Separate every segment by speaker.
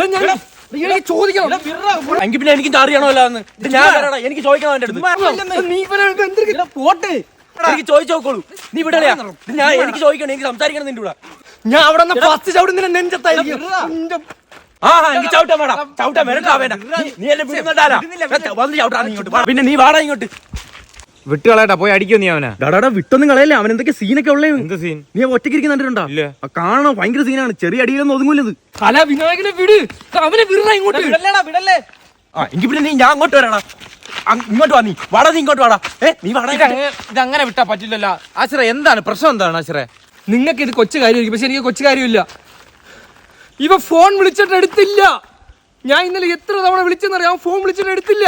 Speaker 1: എനിക്ക് ചോദിക്കണം.
Speaker 2: എങ്കിൽ പിന്നെ എനിക്ക് അറിയണമല്ലോ എന്ന്. ഞാൻ എനിക്ക് ചോദിക്കണം അവന്റെ അടുത്ത്. പോട്ട് എനിക്ക് ചോദിച്ചു നോക്കോളൂ. നീ വിടലയാ. ഞാൻ എനിക്ക് ചോദിക്കണം, എനിക്ക് സംസാരിക്കണം നിന്റെ കൂടെ.
Speaker 1: ഞാൻ അവിടെ ഫസ്റ്റ് ചവിടുന്ന നെഞ്ചത്തായിരിക്കും.
Speaker 2: എനിക്ക് ചവിട്ടാൻ വേണ്ട, ചവിട്ടാൻ വരട്ടാ വേണ്ട. നീ എന്നെ വിടുന്നുണ്ടാ വന്ന് ചവിട്ടാ നീ ഇങ്ങോട്ട്. പിന്നെ നീ വാടാ ഇങ്ങോട്ട്.
Speaker 3: വിട്ടുകളയട്ടാ, പോയി അടിക്കോ നീ അവനെ.
Speaker 2: ഡാടാ വിട്ടൊന്നും കളയല്ലേ. അവൻ എന്തൊക്കെ സീനൊക്കെ ഉള്ളേ.
Speaker 3: എന്ത് സീൻ?
Speaker 2: നീ ഒറ്റയ്ക്ക് കണ്ടിട്ടുണ്ടോ? കാണണം, ഭയങ്കര സീനാണ്. ചെറിയ അടിയിലൊന്നും ഒതുങ്ങൂലത്.
Speaker 1: കല വിനായകനെ വിട്, അവനെ വിടണ ഇങ്ങോട്ട്.
Speaker 2: വിടല്ലേ. എങ്കിൽ പിന്നെ നീ ഞാൻ അങ്ങോട്ട് വരാടാ. ഇങ്ങോട്ട് വാ, നീ വാടാ, നീ ഇങ്ങോട്ട് വാടാ. നീ വാടാ.
Speaker 3: ഇതങ്ങനെ വിട്ടാ പറ്റില്ലല്ലോ ആശ്രയ. എന്താണ് പ്രശ്നം? എന്താണ് ആശ്രയ?
Speaker 1: നിങ്ങൾക്ക് ഇത് കൊച്ചു കാര്യമായിരിക്കും, പക്ഷെ എനിക്ക് കൊച്ചു കാര്യമില്ല. ഇവ ഫോൺ വിളിച്ചിട്ട് എടുത്തില്ല. ഞാൻ ഇന്നലെ എത്ര തവണ വിളിച്ചെന്നറിയാം, ഫോൺ വിളിച്ചിട്ട് എടുത്തില്ല.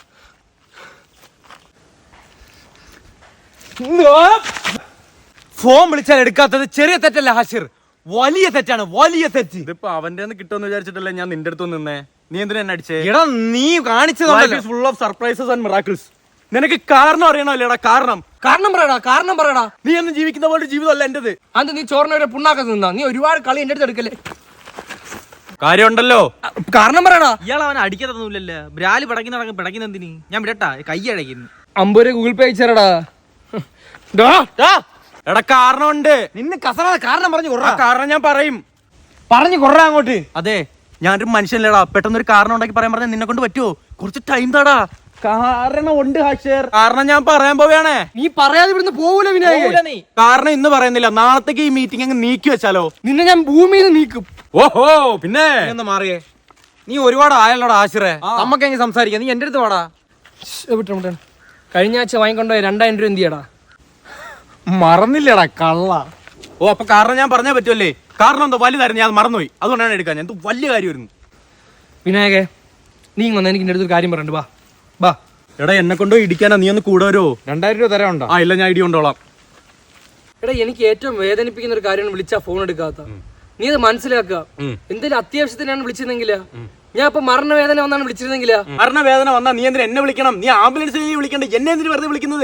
Speaker 3: ഫോൺ വിളിച്ചാൽ എടുക്കാത്തത് ചെറിയ തെറ്റല്ല ഹാഷിർ, വലിയ തെറ്റാണ്, വലിയ തെറ്റ്.
Speaker 2: ഇതിപ്പോ അവന്റെ കിട്ടുമെന്ന് വിചാരിച്ചിട്ടല്ലേ ഞാൻ നിന്റെ അടുത്ത് നിന്നേ. നീ എന്തിനാ എന്നെ അടിച്ചേ?
Speaker 3: എടാ നീ കാണിച്ചത്
Speaker 2: full of surprises and miracles. നിനക്ക് കാരണം അറിയണമല്ലേടാ? കാരണം
Speaker 1: പറയടാ.
Speaker 2: നീ എന്ന് ജീവിക്കുന്ന പോലെ ജീവിതമല്ല എന്റേത്.
Speaker 1: അത് നീ ചോറിനവരെ പുണ്ണാക്കത്ത് നിന്നാ. നീ ഒരുപാട് കളി എന്റെ അടുത്ത് എടുക്കല്ലേ.
Speaker 2: കാര്യമുണ്ടല്ലോ,
Speaker 1: കാരണം പറയടാ.
Speaker 3: ഇയാൾ അവനെ അടിക്കത്തൊന്നുമില്ലല്ലോ. ബ്രാലി പിടയ്ക്കുന്ന എന്തിന്? ഞാൻ വിടട്ടാ, കൈ അടയ്ക്കുന്നു.
Speaker 1: 50 രൂപ ഗൂഗിൾ പേ അയച്ചാടാ.
Speaker 2: എടാ കാരണമുണ്ട്.
Speaker 3: നിന്നെ കസറാതെ കാരണം പറഞ്ഞു കൊറ.
Speaker 2: കാരണം ഞാൻ പറയും.
Speaker 3: പറഞ്ഞു കൊറ അങ്ങോട്ട്.
Speaker 2: അതെ, ഞാനൊരു മനുഷ്യനല്ലേടാ. പെട്ടെന്നൊരു കാരണം ഉണ്ടാക്കി പറയാൻ പറഞ്ഞാൽ നിന്നെ കൊണ്ട് പറ്റുമോ? കുറച്ച് ടൈം താടാ. കാരണം ഉണ്ട് ഹാഷിർ. കാരണം ഞാൻ പറയാൻ പോവുകയാണേ.
Speaker 1: നീ പറയാതെ ഇവിടുന്ന് പോവൂല വിനായക.
Speaker 2: കാരണം ഇന്ന് പറയുന്നില്ല, നാളത്തേക്ക് ഈ മീറ്റിംഗ് അങ്ങ് നീക്കി വെച്ചാലോ?
Speaker 1: നിന്നെ ഞാൻ ഭൂമിയിൽ നിന്ന് നീക്കും.
Speaker 2: ഓഹോ, പിന്നെ
Speaker 3: ഒന്ന് മാറിയേ. നീ ഒരുപാട് ആയല്ലോടാ ആശ്രേ. നമുക്ക് എങ്ങനെ സംസാരിക്കാം? നീ എന്റെ അടുത്ത് വാടാ.
Speaker 1: വിട്ടോ. കഴിഞ്ഞ ആഴ്ച വാങ്ങിക്കൊണ്ടോ 2000 രൂപ എന്ത് ചെയ്യടാ?
Speaker 3: മറന്നില്ലടാ കള്ള.
Speaker 2: ഓ, അപ്പൊ കാരണം ഞാൻ പറഞ്ഞാൽ പറ്റുമല്ലേ? കാരണം എന്തോ വലുതായിരുന്നു, ഞാൻ മറന്നുപോയി. അതുകൊണ്ടാണ് എടുക്കാൻ. ഞാൻ വലിയ കാര്യമായിരുന്നു.
Speaker 1: വിനായകെ, നീ വന്ന് എനിക്ക് എന്റെ അടുത്തൊരു കാര്യം പറയണ്ട. ബാ.
Speaker 2: എടാ എന്നെ കൊണ്ടോ ഇടിക്കാനാ? നീ ഒന്ന് കൂടെ വരുമോ?
Speaker 3: 2000 രൂപ തരാനുണ്ടോ?
Speaker 2: ഇല്ല, ഞാൻ ഇടി കൊണ്ടോളാം.
Speaker 1: എടാ എനിക്ക് ഏറ്റവും വേദനിപ്പിക്കുന്ന ഒരു കാര്യമാണ് വിളിച്ചാ ഫോൺ എടുക്കാത്ത. നീ അത് മനസ്സിലാക്കുക. എന്തെങ്കിലും അത്യാവശ്യത്തിനാണ് വിളിച്ചിരുന്നെങ്കിലാ. ഞാൻ ഇപ്പൊ മരണവേദന വന്നാണ് വിളിച്ചിരുന്നെങ്കിലാ.
Speaker 2: മരണവേദന വന്നാ നീ എന്തിനാ എന്നെ വിളിക്കണം? നീ ആംബുലൻസിൽ വിളിക്കണ്ടേ? എന്നെ എന്തിനു വെറുതെ വിളിക്കുന്നത്?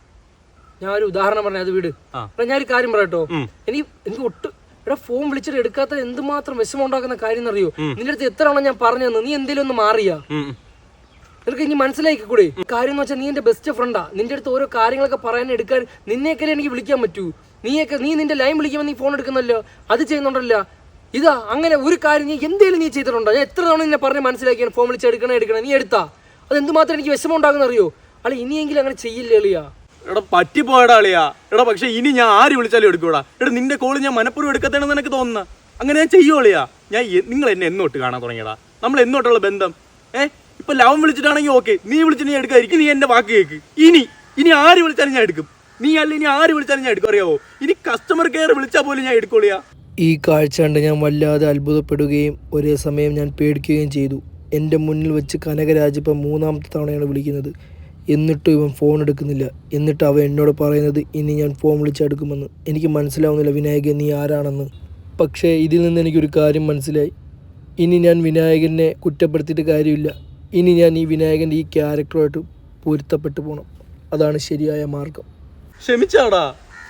Speaker 1: ഞാൻ ഒരു ഉദാഹരണം പറഞ്ഞ അത് വീട്. ഞാനൊരു കാര്യം പറയട്ടോ. എനിക്ക് ഒട്ടും ഫോൺ വിളിച്ചിട്ട് എടുക്കാത്ത എന്തുമാത്രം വിഷമം ഉണ്ടാക്കുന്ന കാര്യം എന്നറിയോ? നിന്റെ അടുത്ത് എത്ര തവണ ഞാൻ പറഞ്ഞു തന്നു. നീ എന്തെങ്കിലും ഒന്ന് മാറിയാ? നിനക്ക് ഇനി മനസ്സിലാക്കിക്കൂടെ? കാര്യം എന്ന് വെച്ചാൽ നീ എന്റെ ബെസ്റ്റ് ഫ്രണ്ടാ. നിന്റെ അടുത്ത് ഓരോ കാര്യങ്ങളൊക്കെ പറയാൻ എടുക്കാൻ നിന്നെയൊക്കെ എനിക്ക് വിളിക്കാൻ പറ്റൂ. നീ നിന്റെ ലൈൻ വിളിക്കുമ്പോൾ നീ ഫോൺ എടുക്കുന്നല്ലോ, അത് ചെയ്യുന്നുണ്ടല്ലോ. ഇതാ അങ്ങനെ ഒരു കാര്യം നീ എന്തെങ്കിലും നീ ചെയ്തിട്ടുണ്ടോ? ഞാൻ എത്ര തവണ നിന്നെ പറഞ്ഞ് മനസ്സിലാക്കിയാണ് ഫോൺ വിളിച്ച് എടുക്കണം. നീ എടുത്താ? അത് എന്തുമാത്രം എനിക്ക് വിഷമം ഉണ്ടാകുന്ന അറിയോ? അല്ല ഇനിയെങ്കിലും അങ്ങനെ ചെയ്യില്ലേ എളിയാ?
Speaker 2: എടാ പറ്റിപ്പോയടാ അളിയാ. എടാ പക്ഷെ ഇനി ഞാൻ ആര് വിളിച്ചാലും എടുക്കൂടാ. എടാ നിന്റെ കോള് ഞാൻ മനഃപൂർവ്വം എടുക്കത്തേണെന്ന് എനിക്ക് തോന്നുന്ന. അങ്ങനെ ഞാൻ ചെയ്യുവോളിയാ. നിങ്ങൾ എന്നെ എന്നോട്ട് കാണാൻ തുടങ്ങിയടാ. നമ്മൾ എന്നോട്ടുള്ള ബന്ധം. ഇപ്പൊ ലവൻ വിളിച്ചിട്ടാണെങ്കിൽ ഓക്കെ, നീ വിളിച്ചിട്ട് ഞാൻ എടുക്കാതിരിക്കും. നീ എന്റെ വാക്ക് കേക്ക്. ഇനി ആര് വിളിച്ചാലും ഞാൻ എടുക്കും. നീ അല്ല ഇനി ആര് വിളിച്ചാലും ഞാൻ എടുക്കും. അറിയാവോ? ഇനി കസ്റ്റമർ കെയർ വിളിച്ചാൽ പോലും ഞാൻ എടുക്കോളിയാ.
Speaker 4: ഈ കാഴ്ച കണ്ട് ഞാൻ വല്ലാതെ അത്ഭുതപ്പെടുകയും ഒരേ സമയം ഞാൻ പേടിക്കുകയും ചെയ്തു. എൻ്റെ മുന്നിൽ വെച്ച് കനകരാജ് ഇപ്പം 3ാമത്തെ തവണയാണ് വിളിക്കുന്നത്. എന്നിട്ടും ഇവൻ ഫോൺ എടുക്കുന്നില്ല. എന്നിട്ട് അവൻ എന്നോട് പറയുന്നത് ഇനി ഞാൻ ഫോൺ വിളിച്ചെടുക്കുമെന്ന്. എനിക്ക് മനസ്സിലാവുന്നില്ല വിനായകൻ നീ ആരാണെന്ന്. പക്ഷേ ഇതിൽ നിന്ന് എനിക്കൊരു കാര്യം മനസ്സിലായി. ഇനി ഞാൻ വിനായകനെ കുറ്റപ്പെടുത്തിയിട്ട് കാര്യമില്ല. ഇനി ഞാൻ ഈ വിനായകൻ്റെ ഈ ക്യാരക്ടറുമായിട്ട് പൊരുത്തപ്പെട്ടു പോകണം. അതാണ് ശരിയായ മാർഗം.
Speaker 2: ക്ഷമിച്ചാടാ.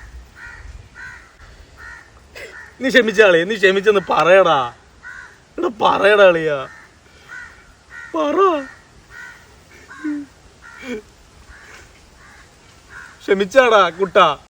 Speaker 2: നീ ക്ഷമിച്ചാളേ. നീ ക്ഷമിച്ചെന്ന് പറയടാ. എടാ പറയടാ അളിയാ, പറ. ക്ഷമിച്ചാടാ കുട്ടാ.